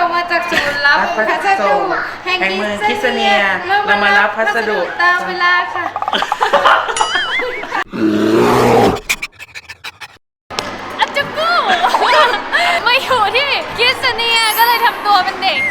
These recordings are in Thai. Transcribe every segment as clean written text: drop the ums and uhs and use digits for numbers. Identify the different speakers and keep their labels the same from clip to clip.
Speaker 1: มาจากศูนย์รับพัสดุแห่งเมืองคิสเนียเรามารับพัสดุตามเวลาค่ะอาจูกูมาอยู่ที่คิสเนียก็เลยทำตัวเป็นเด็ก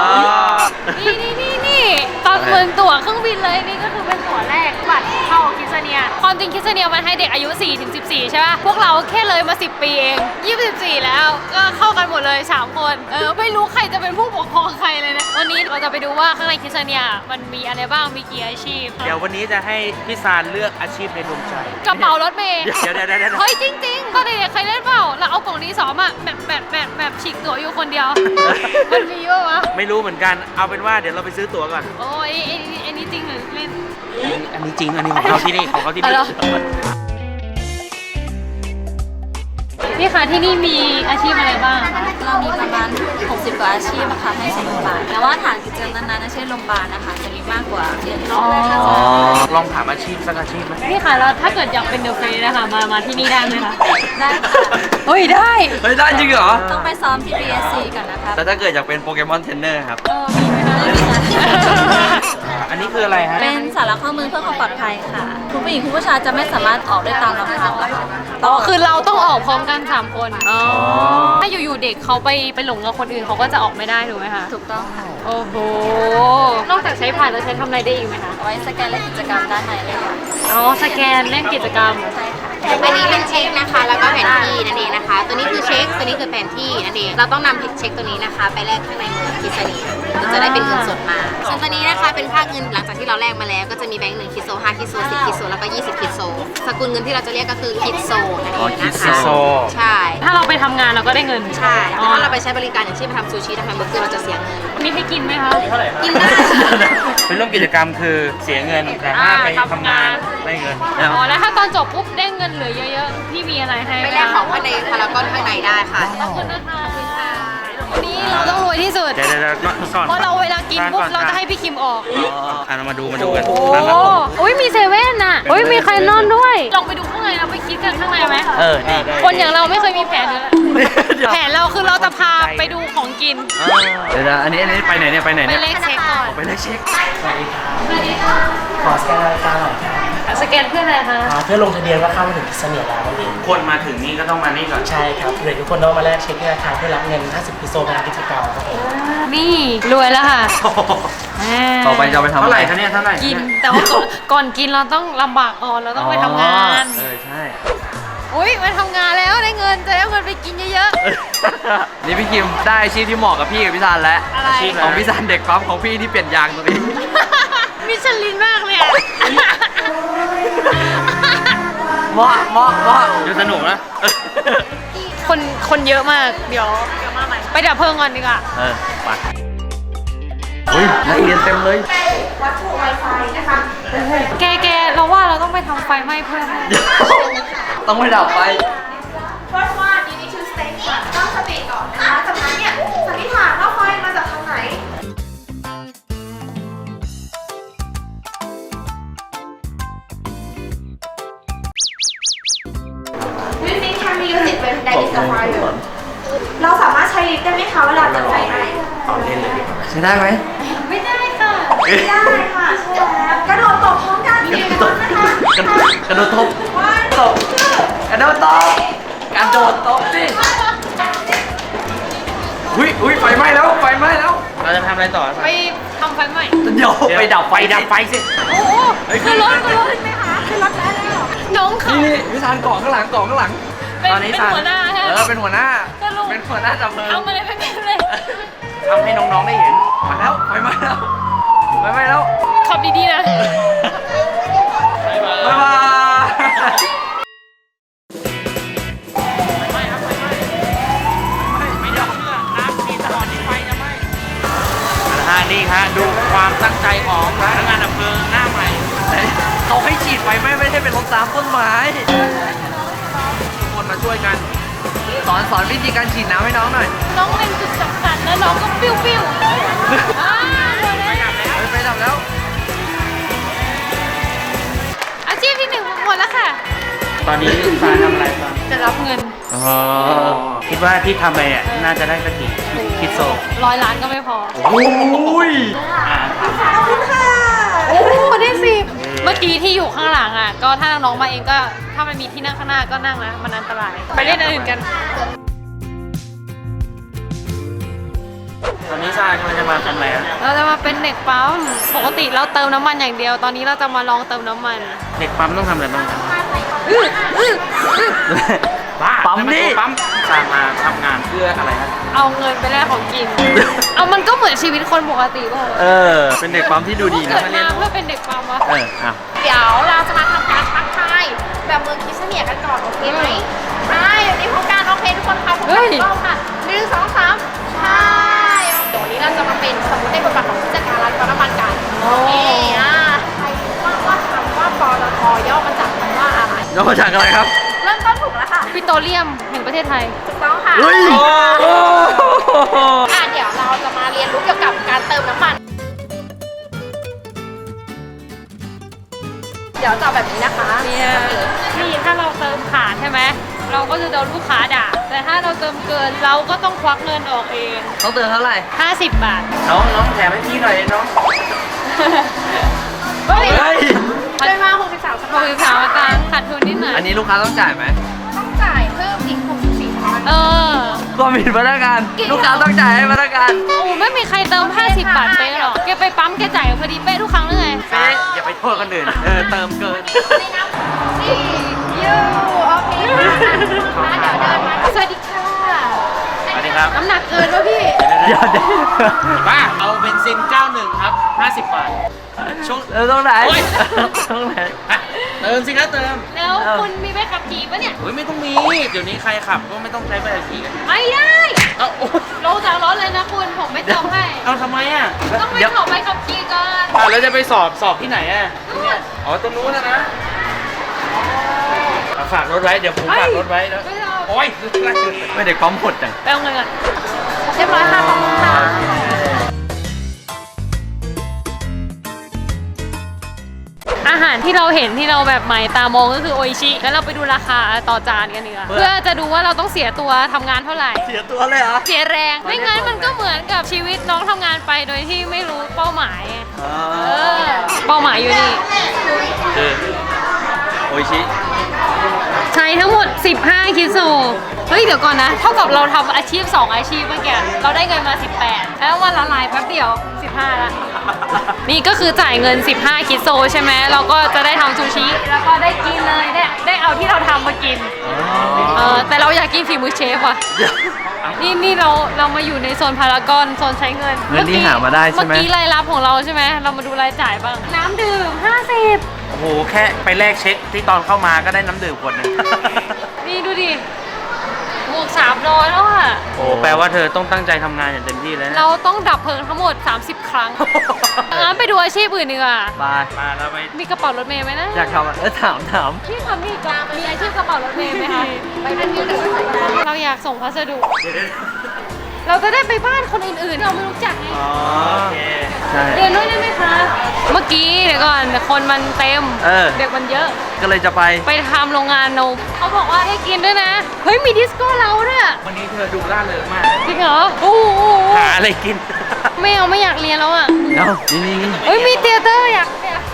Speaker 1: นี่ตอนเมืองตั๋วเครื่องบินเลยนี่ก็คือเป็นตั๋วแรกบัตรเข้าคิสเนียความจริงคิสเนียมันให้เด็กอายุ 4-14 ใช่ป่ะพวกเราแค่เลยมา10 ปีเอง24แล้วก็เข้ากันหมดเลย3 คนไม่รู้ใครจะเป็นผู้ปกครองใครเลยนะวันนี้เราจะไปดูว่าข้างในคิสเนียมันมีอะไรบ้างมีกี่อาชีพ
Speaker 2: เดี๋ยววันนี้จะให้พี่ซานเลือกอาชีพในดวงใจ
Speaker 1: กระเป๋ารถเมย์
Speaker 2: เดี๋ยว
Speaker 1: เฮ้ยจริงๆก็เด็กๆใครเล่นเปล่าเราเอากล่องนี้สอมาแบบฉีกตั๋วอยู่คนเดียวมันมีเยอะวะ
Speaker 2: ไม่รู้เหมือนกันเอาเป็นว่าเดี๋ยวเราไปซื้อตั๋วก่อน
Speaker 1: โอ้ยอันนี้จริงหรือเล่น
Speaker 2: อันนี้จริงอันนี้ของเขาที่นี่
Speaker 1: พี่คะที่นี่มีอาชีพอะไรบ้าง
Speaker 3: เรามีประมาณ60 กว่าอาชีพนะคะให้สมัครแต่ว่าฐานกิจกรรมนั้นๆเช่นโรงพยาบาลนะคะจะมีมากกว่าเยอะ
Speaker 2: ลองถามอาชีพสักอาชีพไหม
Speaker 1: พี่คะแล้วถ้าเกิดอยากเป็นเดอะเฟสนะคะมาที่นี่ได้ไหมคะได้เฮ้ยได้
Speaker 4: จริงเหรอ
Speaker 3: ต้องไปซ้อมที่ BSC ก่อนนะคะ
Speaker 4: แต่ถ้าเกิดอยากเป็นโปเกมอนเทรนเนอร์ครับ
Speaker 1: มีไหมคะ
Speaker 2: อันนี้คืออะไรฮะ
Speaker 3: เป็นสาระข้อมือเพื่อความปลอดภัยค่ะคุณผู้หญิงคุณผู้ชายจะไม่สามารถออกได้ตามลำพังนะคะ
Speaker 1: คือเราต้องออกพร้อมกัน3 คนถ้าอยู่ๆเด็กเขาไปหลงกับคนอื่นเขาก็จะออกไม่ได้ถูกไหมคะ
Speaker 3: ถูกต้องค่ะ
Speaker 1: โอ้โหนอกจากใช้ผ่านแล้วใช้ทำอะไรได้อีกไหมคะ
Speaker 3: ไว้สแกนเล่นกิจกรรมด้านในเลยค่ะ
Speaker 1: สแกนเล่นกิจกรรม
Speaker 3: ใช่ค่ะ
Speaker 5: อันนี้เป็นเช็คนะคะแล้วก็แผนที่นั่นเองนะคะตัวนี้คือเช็คตัวนี้คือแผนที่นั่นเองเราต้องนำเช็คตัวนี้นะคะไปแลกข้างในเมืองคิสเนียเราจะได้เป็นเงินสดมาส่วนตัวนี้นะคะเป็นค่าเงินหลังจากที่เราแลกมาแล้วก็จะมีแบงค์1 คิโซ 5 คิโซ 10 คิโซแล้วก็20 คิโซสกุลเงินที่เราจะเรียกก็คือคิโซนั่นเองนะคะใช่
Speaker 1: ถ้าเราไปทำงานเราก็ได้เงิน
Speaker 5: ใช่แต่ถ้าเราไปใช้บริการอย่างเช่นไปทำซูชิทำแฮมเบอร์เกอร์เราจะเสียเงิน
Speaker 1: นี่ให้กินไหมคะ
Speaker 5: กินได้
Speaker 2: เป็นเรื่องกิจกรรมคือเสียเงินแต่ถ้าไปทำงานได้เงิน
Speaker 1: แล้วถ้าตอนจบปุ๊บได้เงินเหลือเยอะๆพี่มีอะไรให้
Speaker 5: ไปแลกของข้างในพารากอนข้างในได้ค่ะ
Speaker 1: ขอบคุณนะคะวันนี้เราต้องรวยที่สุด
Speaker 2: เดี๋ยวก่อน
Speaker 1: เพราะเราเวลากินปุ๊บเราจะให้พี่คิมออก
Speaker 2: เรามาดูกัน
Speaker 1: โอ้ยมีเซเว่นน่ะโอ้ยมีใครนอนด้วยลองไปดูข้างในเราไปคิดกันข้างในไหม
Speaker 2: ดี
Speaker 1: คนอย่างเราไม่เคยมีแผนเลยแผนเราคือเราจะพาไปดูของกิน
Speaker 4: เดี๋ยวอันนี้ไปไหนเนี่ยไปไหนเนี่ย
Speaker 1: ไปเลขเช็คก่อน
Speaker 4: ไปเลขเช็ค
Speaker 1: สวัสดีค่ะ
Speaker 6: ขอสแกนรายการหน่อยค่ะ
Speaker 1: สแกนเพื่ออะไรคะ
Speaker 6: เพื่อลงทะเบียนว่าเข้ามาถึงคิสเนียแล้วนั่นเอง
Speaker 2: คนมาถึงนี่ก็ต้องมานี่ก่อน
Speaker 6: ใช่ครับเดี๋ยวทุกคนต้องมาแลกเช็คที่ธนาคารเพื่อรับเงิน50 กิโซงานกิจกรรมครับผม
Speaker 1: นี่รวยแล้วค่ะ
Speaker 4: ต่อไปจะไปทำ
Speaker 2: เท่าไหร่คะเนี่ยเท่าไหร่
Speaker 1: กินแต่ว่าก่อนกินเราต้องลำบากก่อนเราต้องไปทำงาน
Speaker 4: ใช่
Speaker 1: อุ้ยมาทำงานแล้วได้เงินจะได้เงินไปกินเยอะ
Speaker 4: ๆนี่พี่คิมได้อาชีพที่เหมาะกับพี่กับพี่ซานแล้วของพี่ซานเด็กปั๊มของพี่ที่เปลี่ยนยางตัวนี้
Speaker 1: มิชลินมากเลยอ่ะ
Speaker 4: เหมาะ
Speaker 2: ดูสนุกนะ
Speaker 1: คนเยอะมากเดี๋ยวมาใหม่ไปดับเพลิงก่อนดีกว่า
Speaker 4: ไปนักเรียนเต็มเลย
Speaker 5: วัตถุไวไฟนะคะ
Speaker 1: แกเราว่าเราต้องไปทำไฟไหม้เพิ่ม
Speaker 4: ต้องไปดับไฟ
Speaker 5: First one you need to stay ตั้งสติก่อนนะคะจากนั้นเนี่ยสันนิษฐานว่าไฟมาจากทางไหนเราสามารถใช้ลิฟต์ได้ไหมคะเวลาเกิดไฟไหม้
Speaker 4: ใช้ได้ไหม
Speaker 1: ไม่ได้ค่ะ
Speaker 5: ไม่ได้ค่ะใช่แล้วกระโดดตบพร้อมกันทีกันนะคะ
Speaker 4: กระโดดตบกระโดดตบสิอุ้ยไฟไหม้แล้ว
Speaker 2: เราจะทำอะไรต่อ
Speaker 1: ไปทำไฟไหม้
Speaker 4: เดี๋ยวไปดับไฟสิ
Speaker 1: โอ้คือรถไหมคะคือรถแล้วน้องเขา
Speaker 4: นี่วิธานเกาะข้างหลังต
Speaker 1: อนนี้เป็นหัวหน้าใช่ไหม
Speaker 4: เป็นหัวหน้าจับเพลิง
Speaker 1: เอามาเลยเป็นเลย
Speaker 2: ทำให้น้องๆได้เห็น
Speaker 4: มาแล้วไฟไหม้แล้ว
Speaker 1: ขับดีๆนะ
Speaker 4: บ๊ายบาย
Speaker 2: นี่ฮะดูความตั้งใจของพนักงานดับเพลิงหน้าใหม่
Speaker 4: เขาให้ฉีดไฟไม่ใช่เป็นรถน้ำต้นไม้ทุกคนมาช่วยกันสอนวิธีการฉีดน้ำให้น้องหน่อย
Speaker 1: น้องเล็งจุดสำคัญแล้วน้องก็ปิ้ว
Speaker 4: ไปดับแล้ว
Speaker 1: อาชีพที่1หมดแล้วค่ะ
Speaker 2: ตอนนี้สายทำอะไรบ้าง
Speaker 1: จะรับเงิน
Speaker 2: คิดว่าที่ทำไปน่าจะได้สักกี่คิดโซ
Speaker 1: 100 ล้านก็ไม่พอ
Speaker 2: โอ้ย
Speaker 1: โอ้ได้10เมื่อกี้ที่อยู่ข้างหลังอ่ะ ก็ถ้าน้องๆมาเองก็ถ้ามันมีที่นั่งข้างหน้าก็นั่งนะมันอันตราย ไปเล่นอันอื่นกัน
Speaker 2: ตอนนี้ทรายกำลังจะมาทำอะไรอะ
Speaker 1: เราจะมาเป็นเด็กปั๊ม ปกติเราเติมน้ำมันอย่างเดียว ตอนนี้เราจะมาลองเติมน้ำมัน
Speaker 2: เด็กปั๊มต้องทำอะไรบ้างบ้า
Speaker 4: ปั๊มนี่
Speaker 2: ปั๊มทรายมาทำงานเพื่ออะไรครับ
Speaker 1: เอาเงินไปแลกของกิน เอามันก็เหมือนชีวิตคนปกติป่ะ
Speaker 4: เออ เป็นเด็กปั๊มที่ดูดีนะ
Speaker 1: เกิดมาเพื่อเป็นเด็กปั๊มวะ
Speaker 4: เอออ่ะ
Speaker 5: เดี๋ยวเราจะมาทำการทักทายแบบเมืองคริสเนียกันก่อนโอเคไหมใช่เดี๋ยวนี้พบกันโอเคทุกคนค่ะพบกันอีกรอบค่ะ1 2 3ใช่เดี๋ยววันนี้เราจะมาเป็นสมมติในบทบาทของผู้จัดการร้านปั๊มน้ำมันกันโอเคใครรู้บ้างว่าคำว่าปตทย่อมาจากคำว่าอะไร
Speaker 4: แล้วมาจากอะไรครับ
Speaker 5: เริ่มต้นถูกแล้วค่ะ
Speaker 1: ปิโตรเลียมแห่งประเทศไทย
Speaker 5: ถูกต้องค่ะ
Speaker 4: เฮ้ย
Speaker 5: เดี๋ยวเราจะมาเรียนรู้เกี่ยวกับการเติมน้ำมัน เดี๋ยวจะเอาแบบนี้นะคะ
Speaker 1: เนี่ยนี่ถ้าเราเติมขาดใช่ไหม เราก็จะโดนลูกค้าด่า แต่ถ้าเราเติมเกินเราก็ต้องควักเงินออกเอง
Speaker 4: ต้องเตือนเท่าไหร่
Speaker 1: 50 บาท
Speaker 2: น้องแถมให้พี่หน่อยน้อง
Speaker 1: เฮ้ย
Speaker 4: เฮ้ย
Speaker 5: ได้มา63สตางค์
Speaker 1: 63อาการขาดทุนนิดหน่อย
Speaker 4: อันนี้ลูกค้าต้องจ่ายไหม
Speaker 5: ต้องจ่ายเพิ่มอีก64สตางค์
Speaker 1: เออ
Speaker 4: ก็มีพนักงาน ลูกค้าต้องจ่ายให้พนักงาน
Speaker 1: โอ้ไม่มีใครเติม 50 บาทเป๊ะหรอก แกไปปั๊มแกจ่ายพอดีเป๊ะทุกครั้งเลยไง
Speaker 2: เป๊ะอย่าไปโทษคนอื่น เติมเกิน
Speaker 5: ไม่นับ4ยูโอเคค่ะเดี๋ยวเดินมาสวัสดีค่ะ
Speaker 2: สวัสดีครับ
Speaker 1: น้ำหนักเกินวะพี่
Speaker 4: เดี๋ยวเดี๋ยว
Speaker 2: ป้าเอาเบนซิน 91 ครับ 50 บาท ช่วง
Speaker 4: ตรงไหน
Speaker 2: โอ๊ย
Speaker 4: ตรงไหน
Speaker 2: อ่ะเติมสิครับเติม
Speaker 1: แล้วคุณมีใบขับขี่ปะเนี่ย
Speaker 2: โอ้ยไม่ต้องมี เดี๋ยวนี้ใครขับก็ไม่ต้องใช้ใบขับขี่กัน
Speaker 1: ไม่ได้
Speaker 2: เอาโอ๊ย
Speaker 1: ลงจากรถเลยนะคุณ ผมไม่เติมให้
Speaker 2: เอาทำไมอ่ะ
Speaker 1: ต้องไปขอใบขับขี่ก่อน
Speaker 2: แล้วจะไปสอบที่ไหนอ่ะเนี่ยอ๋อตรงนู้นนะเอาฝากรถไว้ เดี๋ยวผมฝากรถไว้แล้ว
Speaker 1: ไม่เอา
Speaker 2: โอ๊ย
Speaker 4: ไม่เด็กปั๊มหดจัง
Speaker 1: ไปเอาเงินก่อน
Speaker 5: เรียบร้อยค่ะขอบคุณค่ะ
Speaker 1: อาหารที่เราเห็นที่เราแบบใหม่ตามองก็คือโออิชิแล้วเราไปดูราคาต่อจานกันดีกว่าเพื่อจะดูว่าเราต้องเสียตัวทำงานเท่าไหร่
Speaker 4: เสียตัวเลยเหรอ
Speaker 1: เสียแรง ไม่งั้นมันก็เหมือนกับชีวิตน้องทำงานไปโดยที่ไม่รู้เป้าหมายไงเป้าหมายอยู่นี่
Speaker 2: คือ
Speaker 4: โออิชิ
Speaker 1: ใช้ทั้งหมด 15 คิโซ เฮ้ย เดี๋ยวก่อนนะ เท่ากับเราทำอาชีพ 2 อาชีพเมื่อกี้ เราได้เงินมา 18 แล้ววันละลายแป๊บเดียว 15ละนี่ก็คือจ่ายเงิน 15 คิโซใช่ไหม เราก็จะได้ทำซูชิ แล้วก็ได้กินเลย ได้เอาที่เราทำมากิน แต่เราอยากกินฝีมือเชฟว่ะ นี่เรามาอยู่ในโซนพารากอนโซนใช้เงิน
Speaker 4: เงินที่หามาได้ใช่ไหม
Speaker 1: เมื่อกี้รายรับของเราใช่ไหม เรามาดูรายจ่ายบ้าง น้ำดื่ม 50
Speaker 2: โอ้โห แค่ไปแลกเช็คที่ตอนเข้ามาก็ได้น้ำดื่มขวดหนึง
Speaker 1: นี่ดูดิบวก300แล้วอ่ะ
Speaker 2: โอ้แปลว่าเธอต้องตั้งใจทำงานอย่างเต็มที่เลยนะ
Speaker 1: เราต้องดับเพลิงทั้งหมด 30 ครั้ง งั้นไปดูอาชีพอื่นดีกว่า
Speaker 4: บาย
Speaker 2: มาแล้วไป
Speaker 1: มีกระเป๋ารถเมย์ไหมนะ
Speaker 4: อยากทำอ่ะถาม
Speaker 1: พี่ทำนี่ก่อนมีอาชีพกระเป๋ารถเมย์ไหมคะไปเป็นที่หนึ่งเราอยากส่งพัสดุ เราจะได้ไปบ้านคนอื่นๆที่เราไม่รู้จักไง
Speaker 2: อ๋อโอเค
Speaker 4: ใช่
Speaker 1: เรียนด้วยได้ไหมคะ เมื่อกี้เดี๋ยวก่อนคนมันเต็ม เด็กมันเยอะ
Speaker 4: ก็เลยจะไป
Speaker 1: ไปทำโรงงานนมเขาบอกว่าให้กินด้วยนะ เฮ้ยมีดิสโก้เราด้วย
Speaker 2: วันนี้เธอดูร่าเริงมาก
Speaker 1: จริงเหรอโอ้โห
Speaker 2: หาอะไรกิน
Speaker 1: ไม่เอาไม่อยากเรียนแล้วอ่ะ
Speaker 4: เอ้านี่
Speaker 1: เฮ้ยมีเทเตอร์อยาก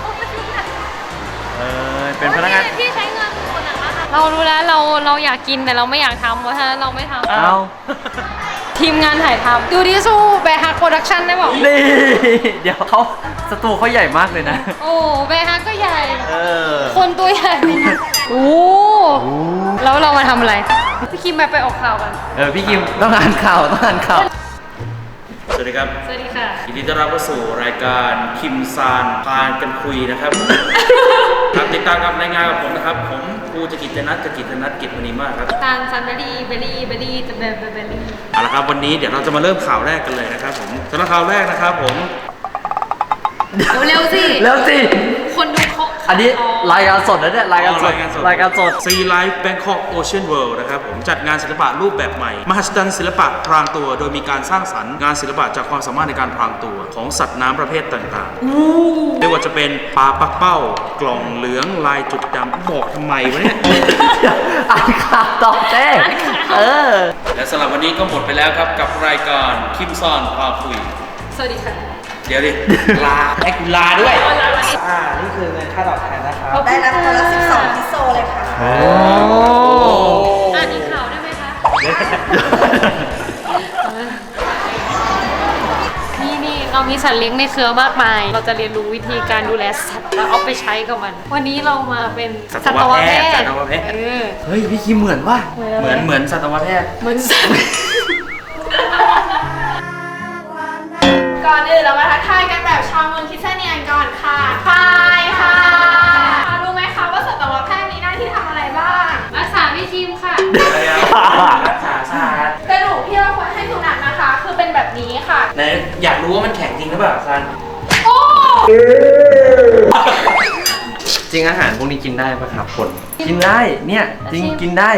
Speaker 4: เป็นพนักงาน
Speaker 1: ที่ใช้เงินคนอ่ะเรารู้แล้วเราอยากกินแต่เราไม่อยากทำเพราะฉะนั้นเราไม่ทำ
Speaker 4: เอ้า
Speaker 1: ทีมงานถ่ายทำดูดิสู้แบร์ฮักโปรดักชั่นได้บอก
Speaker 4: นี่ เดี๋ยวสตูเขาใหญ่มากเลยนะ
Speaker 1: โอ้แบร์ฮักก็ใหญ่
Speaker 4: อ
Speaker 1: คนตัวใหญ่โอ้แล้วเรามาทำอะไรพี่คิมไปออกข่าวกัน
Speaker 4: พี่กิมต้องอ่านข่าว
Speaker 2: สวัสดีครับ
Speaker 1: สวัสดีค่ะ
Speaker 2: ยินดีต้อนรับเข้าสู่รายการคิมซานพานกันคุยนะครับ ครับติดตามกับรายงานกับผมนะครับ ผมครูจกิจนัทกิจมณีมากครับ
Speaker 1: ตาลซันเบอรี่จะเบอรี่
Speaker 2: เอาละครับวันนี้เดี๋ยวเราจะมาเริ่มข่าวแรกกันเลยนะครับผมสำหรับข่าวแรกนะครับผม
Speaker 1: เร็วสิ
Speaker 4: แล้วสิ
Speaker 1: คนดู
Speaker 4: อันนี้รายการสดนะเนี่ยรายการสดรายการสด
Speaker 2: Sea Life Bangkok Ocean World นะครับผมจัดงานศิลปะรูปแบบใหม่ มหัศจรรย์ศิลปะพรางตัว โดยมีการสร้างสรรค์งานศิลปะจากความสามารถในการพรางตัวของสัตว์น้ำประเภทต่างๆไม่ว่าจะเป็นปลาปักเป้ากล่องเหลืองลายจุดดำบอกทำไมวะเนี่ย
Speaker 4: อ่านข่าวต่อเต้
Speaker 2: และสำหรับวันนี้ก็หมดไปแล้วครับกับรายการคิมซอนพาคุย
Speaker 1: สวัสดีค่ะ
Speaker 2: เดี๋ยวดิ ลาให้กูลาด้วย
Speaker 6: นี่คือเงินค่าตอบแทนนะครับ
Speaker 3: ได้รับคนละ12 พิโซเลยค่ะ
Speaker 1: อ่านอีกข่าวได้ไหมคะ นี่เรามีสัตว์เลี้ยงในเครือมากมาย เราจะเรียนรู้วิธีการดูแลสัตว์แล้วเอาไปใช้กับมัน วันนี้เรามาเป็น
Speaker 2: สัตวแพทย์สัตวแพทย์
Speaker 4: เฮ้ยพี่คิมเหมือนว่า
Speaker 2: เหมือนสัตวแพทย์
Speaker 1: เหมือนสัตว์
Speaker 7: ก่อนอื่นเรามาทักทายกันแบบชาวเมืองคิดเซเนียนก่อนค่ะพายค่ะรู้ไหมคะว่าสัตวแพทย์มีหน้าที่ทำอะไรบ้าง
Speaker 1: รักษาพี่คิมค่ะ
Speaker 2: รักษาศาสตร์
Speaker 7: กระดูกที่เราควรให้สุนัขนะคะ คือเป็นแบบนี้ค่ะ
Speaker 2: ไหนอยากรู้ว่ามันแข็งจริงหรือเปล่าซัน
Speaker 7: โอ้
Speaker 4: จริงอาหารพวกนี้กินได้ปะครับคนกินได้เนี่ยจริงกินได้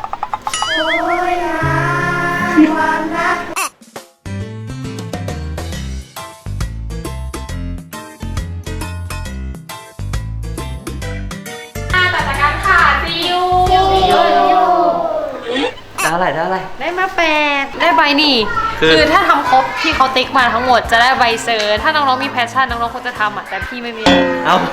Speaker 7: ต่อจากการค่ะซียู
Speaker 4: ได้อะไรได้อะไร
Speaker 1: ได้มา8ได้ใบนี่ คือถ้าทำครบที่เขาติ๊กมาทั้งหมดจะได้ใบเซอร์ ถ้าน้องๆมีแพชชั่นน้องๆควรจะทำอ่ะแต่พี่ไม่มี
Speaker 4: เอ้า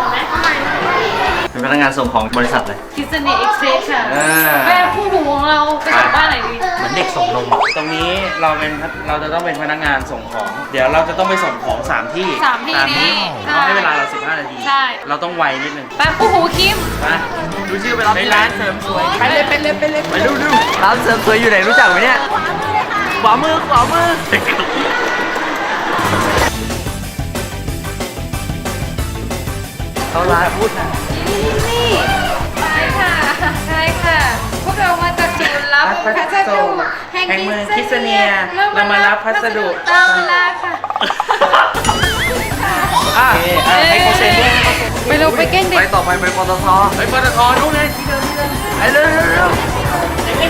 Speaker 4: เป็นพนักงานส่งของบริษัทเลย
Speaker 1: คิสเนียเอ็กซ์เพรสค่ะ
Speaker 2: อ่า
Speaker 1: แม่ผู้หูของเราไปกลับบ้านไหนดี
Speaker 2: เหมือนเด็กส่งนมตรงนี้เราจะต้องเป็นพนักงานส่งของ เดี๋ยวเราจะต้องไปส่งของ3ที่
Speaker 1: สามที่นี้
Speaker 2: เขาให้เวลาเรา15 นาที
Speaker 1: ใช่
Speaker 2: เราต้องไวนิดนึง
Speaker 1: ไปผู้หูคิม
Speaker 2: นะดูชื่อไปรับในร้านเสริมสวย
Speaker 4: ไปเลยไปดูร้านเสริมสวยอยู่ไหนรู้จักไหมเนี่ยขวามือเขาร้านพูดนะ
Speaker 1: นี่ใช่ค่ะใช่ค่ะ พวกเรามาจากศูนย์รับพัสดุแห่งเมืองคิสเนียเรามารับพัสดุตามเวลาค่ะ
Speaker 2: ให้เขาเซ็นด้วย
Speaker 1: ไปเร็วไปเก้งเด็
Speaker 4: ไป
Speaker 1: ก
Speaker 4: ต่อไปปตท
Speaker 2: ไปปตทนู่นไงที่เดิม
Speaker 4: ไปเร็ว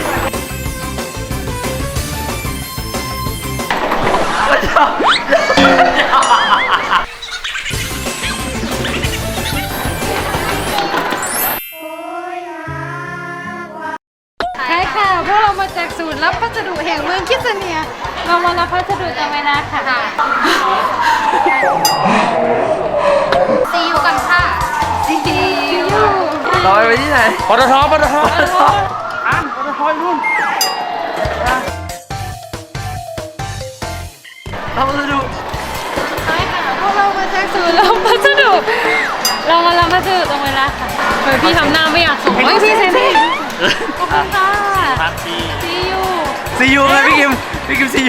Speaker 1: ใช่ค่ะพวกเรามาจากศูนย์รับพัสดุแห่งเมืองคิสเนียเรามารับพัสดุตามเวลาค่ะ
Speaker 5: ซียูกันค่ะ
Speaker 1: ซียู
Speaker 4: ต่อไปที่ไหน
Speaker 2: ปตท
Speaker 4: อ่านปตทเราจะดู
Speaker 1: ใช่ค่ะพวกเรามาจากศูนย์รับพัสดุเรามารับพัสดุตรงเวลาค่ะเฮ้ยพี่ทำหน้าไม่อยากส่งเฮ้ยพี่เซนนี่ขอบคุณค่ะ
Speaker 2: พัทซี
Speaker 1: ซียู
Speaker 4: ซียูไงพี่กิมซียู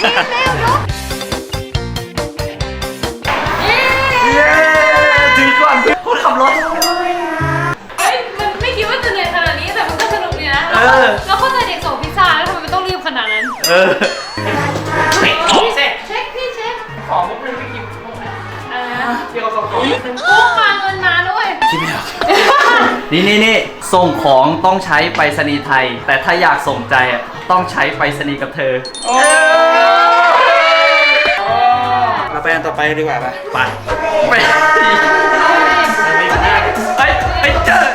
Speaker 4: เย้ถือก่อนพูดขับรถ
Speaker 1: เฮ้ยมันไม่คิดว่าจะเหนื่อยขนาดนี้แต่มันก็สนุกดีนะ
Speaker 4: เออ
Speaker 1: แล้วเข้าใจเด็กส่งพิซซ่าแล้วทำไมมันต้องรีบขนาดนั้น
Speaker 4: เออ
Speaker 1: เช็คพี่เช็ค
Speaker 2: ของมุกนึงไม่กิน
Speaker 1: อะไรนะ
Speaker 2: ที่เขาส่งของ
Speaker 1: กู้มาเงินมาด้วย
Speaker 2: คิดไม่ออก
Speaker 4: นี่ส่งของต้องใช้ไปรษณีย์ไทย แต่ถ้าอยากส่งใจอ่ะต้องใช้ไปรษณีย์กับเธอ
Speaker 2: เราไปอันต่อไปดีกว่าป่ะ
Speaker 4: ไปไปเจอ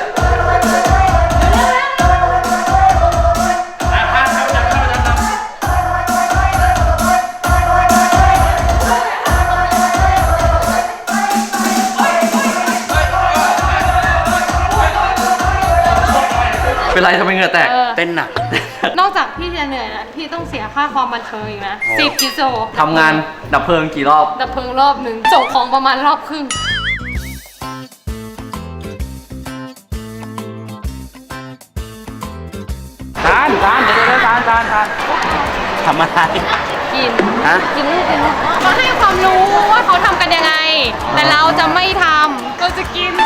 Speaker 4: เป็นไรทำไมเหงื่อแตก
Speaker 2: เต้นหนัก
Speaker 1: นอกจากพี่จะเหนื่อยนะพี่ต้องเสียค่าความบันเทิงอีกนะ10 กิโล
Speaker 4: ทำงานดับเพลิงกี่รอบ
Speaker 1: ดับเพลิงรอบหนึ่งส่งของประมาณรอบครึ่ง
Speaker 2: ทานเดี๋ยวทานทำอะไร
Speaker 1: กิน
Speaker 2: ฮะ
Speaker 1: กินลูกเขาให้ความรู้ว่าเขาทำกันยังไง แต่เราจะไม่ทำเราจะกิน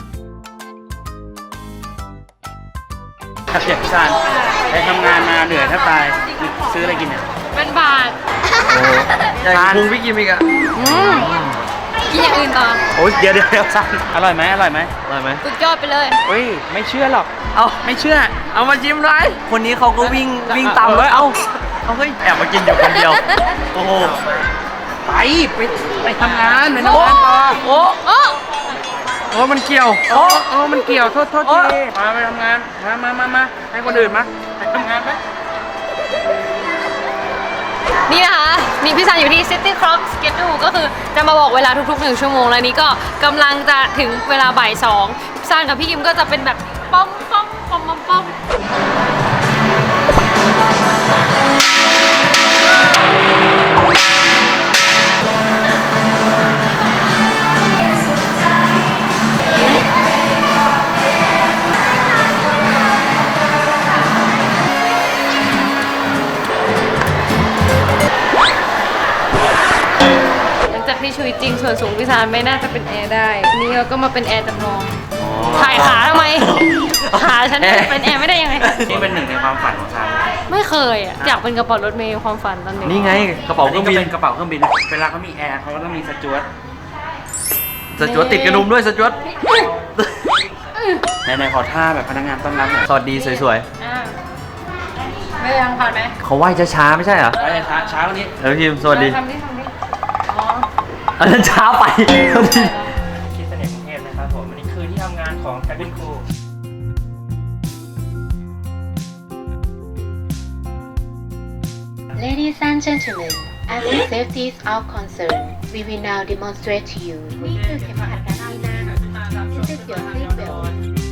Speaker 2: ครับเด็กพี่ซานไปทำงานมาเหนื่อยแทบตายซื้ออะไรกินเนี่ย
Speaker 1: เป็นบาท
Speaker 4: ใหญ่กว่าพุงพี่กิมอีกอะ
Speaker 1: อืมกินอย่างอื่นต่อ
Speaker 2: โอ้ยเดี๋ยวสั่งอร่อยไหมอร่อยไหม
Speaker 4: อร่อยไหม
Speaker 1: สุดยอดไปเลย
Speaker 2: เฮ้ยไม่เชื่อหรอก
Speaker 4: เอา
Speaker 2: ไม่เชื่อ
Speaker 4: เอามาจิ้มเลยคนนี้เขาก็วิ่งตามเลยเอาเฮ้ยแอบมากินอยู่คนเดียวโอ้โห
Speaker 2: ไปทำงานไปทำงานต่อ
Speaker 4: โอ้
Speaker 1: โอ้
Speaker 2: โอ้มันเกี่ยวโอ้มันเกี่ยวโทษทีมาไปทำงานมาให้คนอื่นมาไปทำงานไป
Speaker 1: นี่นะคะนี่พี่ซันอยู่ที่ City Clock Schedule ก็คือจะมาบอกเวลาทุกๆ1 ชั่วโมงแล้วนี้ก็กำลังจะถึงเวลาบ่าย2พี่ซันกับพี่กิมก็จะเป็นแบบป้อม หลังจากที่ชีวิตจริงส่วนสูงพี่ซานไม่น่าจะเป็นแอร์ได้ นี่เราก็มาเป็นแอร์จำลองถ่ายขาทำไม ขาฉันเป็นแอร์ไม่ได้ยังไง
Speaker 2: นี่เป็นหนึ่งในความฝันของฉัน
Speaker 1: ไม่เคยอ่ะ อยากเป็นกระเป๋ารถเมล์ความฝันตอนเด็ก
Speaker 4: นี่ไงกระเป๋าเครื่องบิน
Speaker 2: เป็นกระเป๋าเครื่องบินเวลาเขามีแอร์เขาก็ต้องมีสจ๊วต
Speaker 4: สจวตติดกระดุมด้วยสจวต
Speaker 2: ในขอท่าแบบพนักงานต้อนรับหน่อย
Speaker 4: สวัสดีสวย
Speaker 1: อ่าไม่ยังผ่านไหม
Speaker 4: ๆเขาไหว้ช้าๆไม่ใช่เหรอ
Speaker 2: ไปช้าวันนี้
Speaker 4: พิมสวัสดี
Speaker 1: ทำดิอ๋อ
Speaker 4: อันนั้นช้าไป
Speaker 6: คิดเสน่ห์กรุงเทพนะครับผม อันนี้คือที่ทำงานของ Cabin Crew
Speaker 8: Ladies and gentlemen, as the safety is our concern, we will now demonstrate to you. นี่คือเข็มขัดการที่นั่ง This is your seat belt.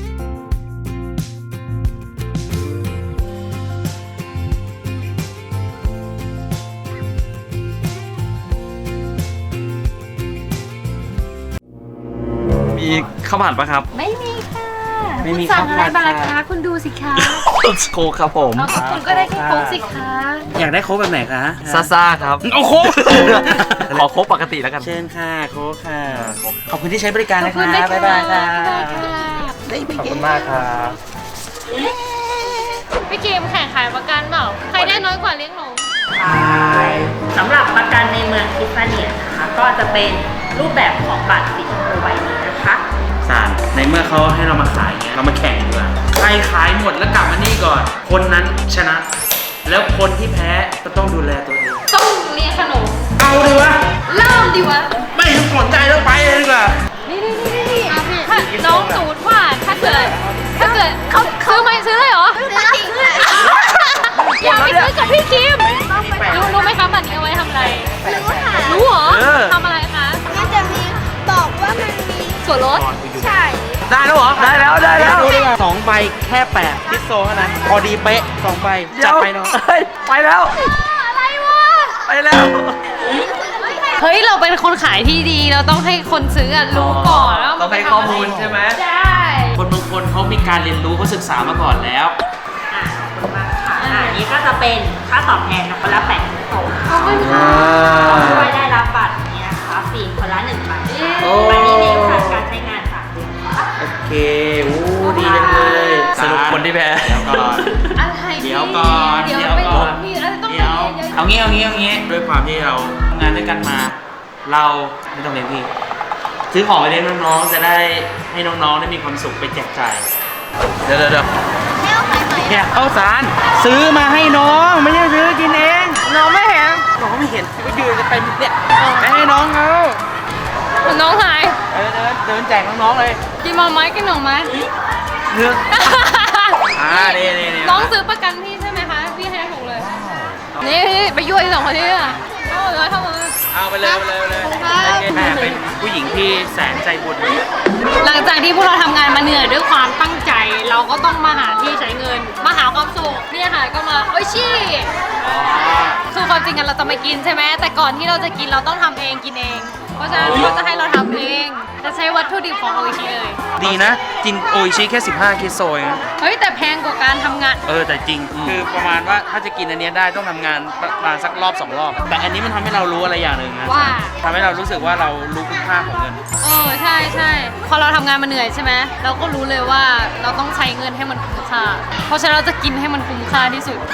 Speaker 4: มีข้าวผัดปะครับ
Speaker 1: ไม่มีค่ะ
Speaker 2: ไม่มี
Speaker 1: คุณสั่งอะไร
Speaker 2: ข้าวผั
Speaker 1: มา
Speaker 2: ด
Speaker 1: ล่ะ
Speaker 2: ค่ะ
Speaker 1: คะคุณดูสิคะ
Speaker 4: โคกครับผม
Speaker 1: เอาก็คุณก็ได้แค่โค้กสิคะ
Speaker 2: อยากได้โค้กแบบไหนคะ
Speaker 4: ซ่าๆครับ
Speaker 2: โอ้โค้ก
Speaker 4: ขอโคกปกติแล้วกัน
Speaker 2: เชิญค่ะโค้กค่ะ ขอบคุณที่ใช้บริการ
Speaker 1: ขอบ
Speaker 2: นะ
Speaker 1: คุณ
Speaker 2: คะ
Speaker 1: ด้วย
Speaker 2: บ๊าย
Speaker 1: ค่ะ
Speaker 2: บายค่ะ
Speaker 6: ขอบคุณมากครับ
Speaker 1: พี่เกมแข่งขายประกันเปล่า ใครได้น้อยกว่าเลี้ยงหนู
Speaker 3: สำหรับประกันในเมืองคิสเนียนะคะ ก็จะเป็นรูปแบบของบัตรสีชมพูใบนี้นะคะ
Speaker 2: สารในเมื่อเขาให้เรามาขายเงี้ยเรามาแข่งดีกว่าใครขายหมดแล้วกลับมานี่ก่อน คนนั้นชนะ แล้วคนที่แพ้ก็ต้องดูแลตัวเอง
Speaker 1: ต้องเลี้ยงขนม
Speaker 2: เอาดีวะ
Speaker 1: เริ่มดีวะ
Speaker 2: ไม่สนใจแล้วไปเลยดีกว่า
Speaker 1: นี่ถ้าน้องสูตรว่าถ้าเกิดเขาซื้อไหมซื้อเลยเหรอซื้อเลยอยากไปซื้อกับพี่คิมรู้ไหมคะบัตรนี้เอาไว้ทำอะไรรู้เหรอทำอะไรคะ
Speaker 7: มันจะมีบอกว่ามันมี
Speaker 1: ส่วนลด
Speaker 7: ใช่
Speaker 2: ได้แล้วเหรอ
Speaker 4: ได้แล้วได้แล้ว
Speaker 2: ดูดีกว่าสองใบแค่8พิซโซเท่านั้นพอดีเป๊ะสองใบจัดไปเนาะ
Speaker 4: เฮ้ยไปแล้ว
Speaker 1: อะไรวะ
Speaker 4: ไปแล้ว
Speaker 1: เฮ้ยเราเป็นคนขายที่ดีเราต้องให้คนซื้ออะรู้ก่อนว่า
Speaker 4: ต้องให้ข้อมูลใช่ไหม
Speaker 1: ใช่
Speaker 2: คนบางคนเขามีการเรียนรู้เขาศึกษามาก่อนแล้ว
Speaker 3: อันนี้ก็จะเป็นค่าตอบแทนนะคนละ80
Speaker 1: เขาไม่มี
Speaker 3: ช่วยได้รับบัตรนี้นะคะฟรีคนละ1 ใบ
Speaker 2: โอ้
Speaker 3: ใบนี้มีผ่านการใช้งาน3 เดือนค่ะ
Speaker 2: โอเคอู้ดีจังเลย
Speaker 4: สรุปคนที่แพ้
Speaker 2: เดี๋ยวก่อน
Speaker 1: อะไร
Speaker 2: เดี๋ยวก่อน
Speaker 1: เดี๋ยว
Speaker 2: เดี๋ยว
Speaker 1: ไป
Speaker 2: ก่อน
Speaker 1: มีอะไรต้องไป
Speaker 2: เดี๋ยว
Speaker 1: เรียนเยอะ
Speaker 2: เอางี้ด้วยความที่เราทำงานด้วยกันมา เราไม่ต้องเลี้ยงพี่ซื้อของไปเลี้ยงน้องๆจะได้ให้น้องๆได้มีความสุขไปแจกจ่ายเดี๋ยวแค่ข้าวสารซื้อมาให้น้องไม่ใช่ซื้อกินเองน้องไม่เห็นก็ยืนกันเต็มเนี่ยไปให้น้องเขา
Speaker 1: น้องหาย
Speaker 2: เดินแจกน้องๆเลย
Speaker 1: กินหน่อไม้กินหน่อไม้
Speaker 2: เนื้อนี่
Speaker 1: น้องซื้อประกันพี่ใช่ไหมคะ พี่ให้ถูกเลย นี่ไปยั่วไอ้สองคนนี้อ่ะเข้ามาเลยเข้ามา
Speaker 2: เอาไปเลยแม่เป็นผู้หญิงที่แสนใจบุญ
Speaker 1: หลังจากที่พวกเราทำงานมาเหนื่อยด้วยความตั้งใจ เราก็ต้องมาหาที่ใช้เงิน มาหาความสุขเนี่ยค่ะก็มาโอ้ยชี่คือความจริงกันเราจะไม่กินใช่ไหมแต่ก่อนที่เราจะกินเราต้องทำเองกินเอง เพราะฉะนั้นเขาจะให้เราทำเองจะใช้วัตถุดิบของโออิชิเลย
Speaker 2: ดีนะ กินโออิชิแค่15คิโซเอง
Speaker 1: เฮ้ยแต่แพงกว่าการทำงาน
Speaker 2: แต่จริงคือประมาณว่าถ้าจะกินอันเนี้ยได้ต้องทำงานประมาณสักรอบ2 รอบ แต่อันนี้มันทำให้เรารู้อะไรอย่างหนึ่งนะ
Speaker 1: ว่า
Speaker 2: ทำให้เรารู้สึกว่าเรารู้คุณค่าของเงิน
Speaker 1: ใช่พอเราทำงานมาเหนื่อยใช่ไหมเราก็รู้เลยว่าเราต้องใช้เงินให้มันคุ้มค่าเพราะฉะนั้นเราจะกินให้มันคุ้มค่าที่สุด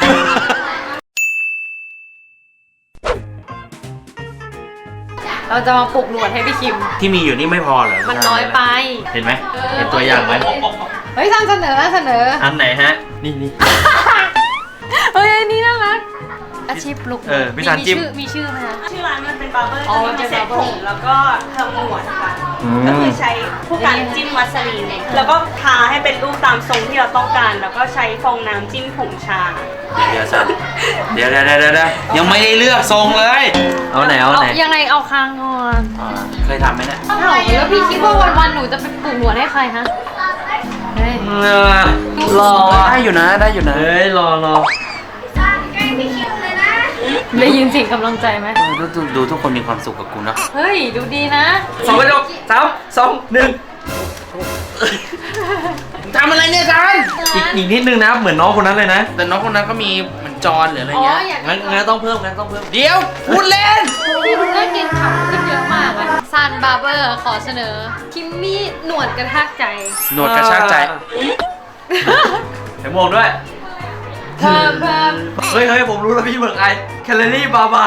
Speaker 1: เราจะมาปลุกหนวดให้พี่คิม
Speaker 2: ที่มีอยู่นี่ไม่พอเหรอ
Speaker 1: มันน้อยไป
Speaker 4: เห็นไหมเห็นตัวอย่างไหม
Speaker 1: เฮ้ยท่านเสนอ
Speaker 4: อันไหนฮะ นี่
Speaker 1: เฮ้ยอันนี้น่ารัก อาชีพปลุก
Speaker 4: พี่ซันจิ้ม
Speaker 1: มีชื่อไหมคะ
Speaker 9: ชื่อร้านมันเป็นบาร์เบอร์
Speaker 1: อ๋อ
Speaker 9: จะมี
Speaker 1: เป็น
Speaker 9: เซ็ต
Speaker 1: barber
Speaker 9: ผมแล้วก็ทำหนวดค่ะ ก็คือใช้ผู้การจิ้มวัสลีนเนี่ยแล้วก็ทาให้เป็นรูปตามทรงที่เราต้องการ แล้วก็ใช้ฟองน้ำจิ้มผงชา
Speaker 2: เดี๋ยวสันเดี๋ยวยังไม่ได้เลือกทรงเลย
Speaker 4: เอาไหน เอาไหน
Speaker 1: ยังไงเอาคางก่อน
Speaker 2: เคยทำไหมเนี่ย
Speaker 1: อ้าวแล้วพี่คิดว่าวันๆหนูจะไปปลุกหนวดให้ใครคะเฮ้ย
Speaker 4: รอได้อยู่นะเฮ้ยรอ
Speaker 1: ได้ยินเสียงกำลังใจไหม
Speaker 2: ดูทุกคนมีความสุขกับกูเนาะ
Speaker 1: เฮ้ย ดูดีนะ
Speaker 4: 2 ประโยค3 2 1
Speaker 2: ทำอะไรเนี่ยซัน
Speaker 4: อีกนิดนึงนะ เหมือนน้องคนนั้นเลยนะ
Speaker 2: แต่น้องคนนั้นก็มีเหมือนจอนหรืออะไรเงี้ย
Speaker 4: งั้นต้องเพิ่ม
Speaker 2: เดี๋ยวพูดเล่น
Speaker 1: พี่ดูน่ากินขำขึ้นเยอะมากอะซันบาร์เบอร์ขอเสนอ คิมมี่หนวดกระทากใจ
Speaker 2: หนวดกระชากใจ
Speaker 4: เห็นมองด้วย
Speaker 1: เพิ่ม
Speaker 4: เฮ้ย ผมรู้แล้วพี่เบิกไอแคลอรี่บาบา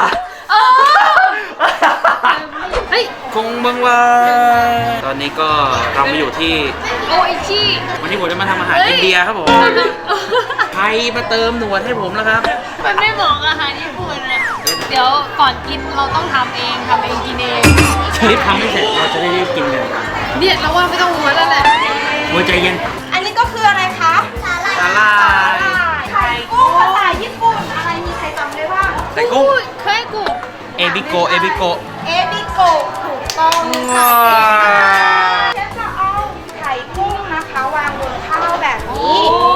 Speaker 1: เฮ้ย
Speaker 2: คงบังว่าตอนนี้ก็เรามาอยู่ที่
Speaker 1: โออิชิ
Speaker 2: วันนี้ผมจะมาทำอาหารอินเดียครับผมใครมาเติมหนวดให้ผมแล้วครับ
Speaker 1: มันไม่เหมาะกับอาหารญี่ปุ่นเลยเดี๋ยวก่อนกินเราต้องทำเองกินเอง
Speaker 2: รีบทำให้เสร็จเราจะได้รีบกินกัน
Speaker 1: เนี่ยเราว่าไม่ต้องม้วนแล้วแหละ
Speaker 2: หัวใจเย็น
Speaker 9: อันนี้ก็คืออะไรคะ
Speaker 2: สาลาย
Speaker 9: ไข่กุ้งภาษาญี่ปุ่น อะไรมีใครจำได้บ้าง
Speaker 2: ไข่กุ้ง
Speaker 1: เคยกู
Speaker 2: เอบิโก
Speaker 9: เอบิโกะถูกต้องค่ะเชฟจะเอาไข่กุ้งนะคะวางบนข้าวแบบนี้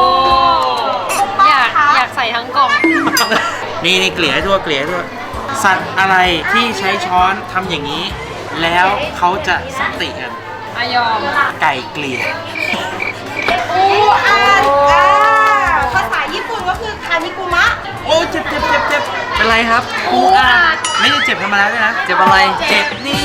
Speaker 1: อยากใส่ทั้งกล่อง
Speaker 2: นี่เกลี่ยให้ทั่วสัตว์อะไรที่ใช้ช้อนทำอย่างนี้ แล้วเขาจะสันติกัน
Speaker 1: อายอม
Speaker 2: ไก่เกลี่ย
Speaker 9: อูอาภาษาญี่ปุ่นก็คือคานิกุมะ
Speaker 2: โอ้เจ็บเป็นไรครับ
Speaker 1: ปูอัด
Speaker 2: ไม่ได้เจ็บธรรมดาด้วยนะ
Speaker 4: เจ็บอะไร
Speaker 2: เจ็บนี่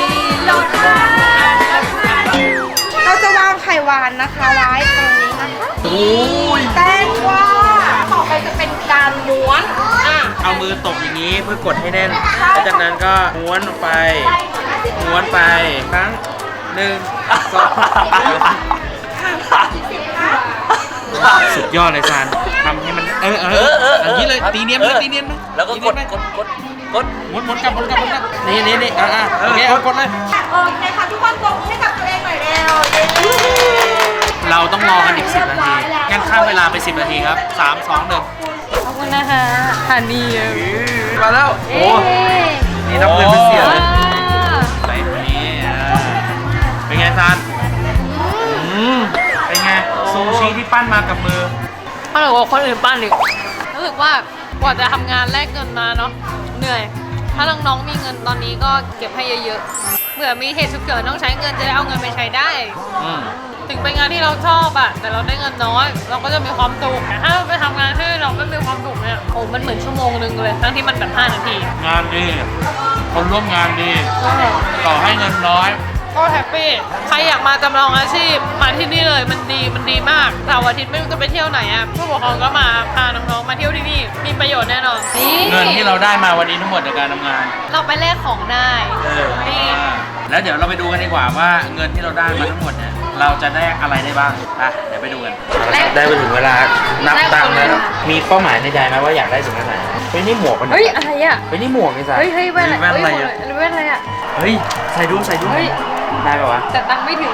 Speaker 9: เราจะวางไข่หวานนะคะไว้ตรงนี้นะคะ
Speaker 2: โอ้ย
Speaker 9: แตงกวาต่อไปจะเป็นการม้วน
Speaker 2: เอามือตบอย่างนี้เพื่อกดให้แน่นแล้วจากนั้นก็ม้วนไปครั้ง1 2สุดยอดเลยซานทำให้มันอย่างนี้เลยตีเนียนไหม
Speaker 4: แล้วก็กด
Speaker 2: หมุนกลับนี่โอเคเอากดเลย
Speaker 9: โอเคค่ะทุกคนปรบมือให้กับตัวเองหน่อยเร็ว
Speaker 2: เราต้องรอกันอีก10 นาทีงั้นข้ามเวลาไป10 นาทีครับ3 2 1
Speaker 1: ขอบคุณนะคะฮันนี่
Speaker 4: มาแล้ว โอ้นี่นับเงินเป็นเสียเลย
Speaker 2: ไปนี่เป็นไงซานเป็นไงซูชิที่ปั้นมากับมือ
Speaker 1: เขาบอกว่าคนอื่นปั้นอีกรู้สึกว่ากว่าจะทำงานแลกเงินมาเนาะเหนื่อย ถ้าน้องๆมีเงินตอนนี้ก็เก็บให้เยอะๆเผื่อมีเหตุฉุกเฉินต้องใช้เงินจะได้เอาเงินไปใช้ได้ ถึงเป็นงานที่เราชอบอะแต่เราได้เงินน้อย เราก็จะมีความสุขแต่ถ้าเราไปทำงานที่เราไม่มีความสุขเนี่ยโอ้มันเหมือนชั่วโมงนึงเลยทั้งที่มันแบบ5 นาที
Speaker 2: งานดี คนร่วมงานดี ต่อให้เงินน้อย
Speaker 1: ก็แฮปปี้ใครอยากมาจำลองอาชีพมาที่นี่เลยมันดีมากเสาร์อาทิตย์ไม่รู้จะไปเที่ยวไหนอะผู้ปกครองก็มาพาน้องๆมาเที่ยวที่นี่มีประโยชน์แน่นอนนี่
Speaker 2: เงินที่เราได้มาวันนี้ทั้งหมดจากการทำงาน
Speaker 1: เราไปแลกของได้นี่
Speaker 2: แล้วเดี๋ยวเราไปดูกันดีกว่าว่าเงินที่เราได้มาทั้งหมดเนี่ยเราจะได้อะไรได้บ้างเดี๋ยวไปดูกันได้ไปถึงเวลานับตังค์แล้วมีเป้าหมายในใจไหมว่าอยากได้สิ่งไหนเฮ้ยนี่หมวกมัน
Speaker 1: เฮ้ยอะไรอะ
Speaker 2: เฮ้ยนี่หมวกไอ้สัส
Speaker 1: เฮ้ยแว่นอะไร
Speaker 2: แว่นอะไรอะ
Speaker 1: แว่นอะไรอะ
Speaker 2: เฮ้ยใส่ดู
Speaker 1: เฮ้ย
Speaker 2: ได้ป่าวะ
Speaker 1: แต่ตังค์ไม่ถึง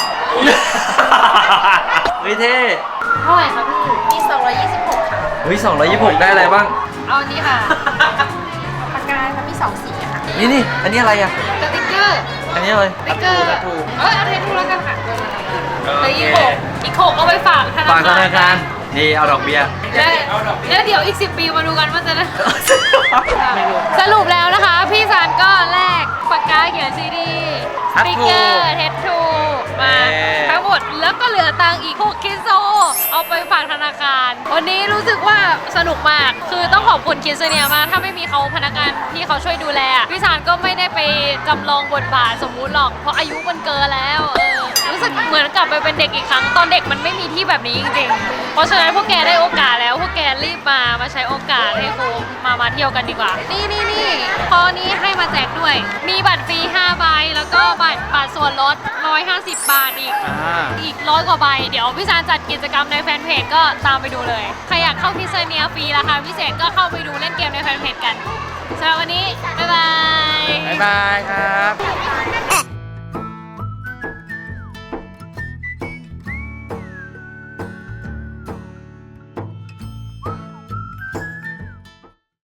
Speaker 4: เฮ้ยเท่
Speaker 1: เท่าไหร่ครับพี่
Speaker 3: มี226 ค่ะ
Speaker 4: เฮ้ย226ได้อะไรบ้าง
Speaker 1: เอาอันนี้ค่ะ
Speaker 3: ปากกาค่ะมี2 สีค่ะ
Speaker 4: นี่อันนี้อะไรอ่ะ
Speaker 1: สติ๊กเกอร์
Speaker 4: อันนี้อะไร
Speaker 1: สติ๊กเกอร์เอาเททูแล้วกันค่ะแล้วอีก6เอาไปฝากธนา
Speaker 4: ฝากธ
Speaker 1: คาร
Speaker 4: นาคารนี่เอาดอกเบี้ย
Speaker 1: แล้วเดี๋ยวอีก10 ปีมาดูกันว่าจะได้ สรุปแล้วนะคะ พี่ซานก็แลกปากกาเขียนซีดีสติ๊กเกอร์เททูมาทั้งหมดแล้วก็เหลือตังค์อีก6 คิโซเอาไปฝากธนาคาร วันนี้รู้สึกว่าสนุกมากคือต้องขอบคุณคิดเซเนียมากถ้าไม่มีเขาพนักงานที่เขาช่วยดูแลพี่ซานก็ไม่ได้ไปจำลองบทบาทสมมุติหรอกเพราะอายุมันเกินแล้วรู้สึกเหมือนกลับไปเป็นเด็กอีกครั้งตอนเด็กมันไม่มีที่แบบนี้จริงๆเพราะฉะนั้นพวกแกได้โอกาสแล้วพวกแกรีบมาใช้โอกาสให้ครูมาเที่ยวกันดีกว่านี่พอนี้ให้มาแจกด้วยมีบัตรฟรี5ใบแล้วก็บัตรส่วนลด150 บาทอีก100 กว่าใบเดี๋ยวพี่ซานจัดกิจกรรมในแฟนเพจก็ตามไปดูเลยใครอยากเข้าคิดเซเนียฟรีราคาพิเศษก็เข้าไปดูเล่นเกมในแฟนเพจกันสำหรับวันนี้บ๊ายบาย
Speaker 4: บ๊ายบายครับ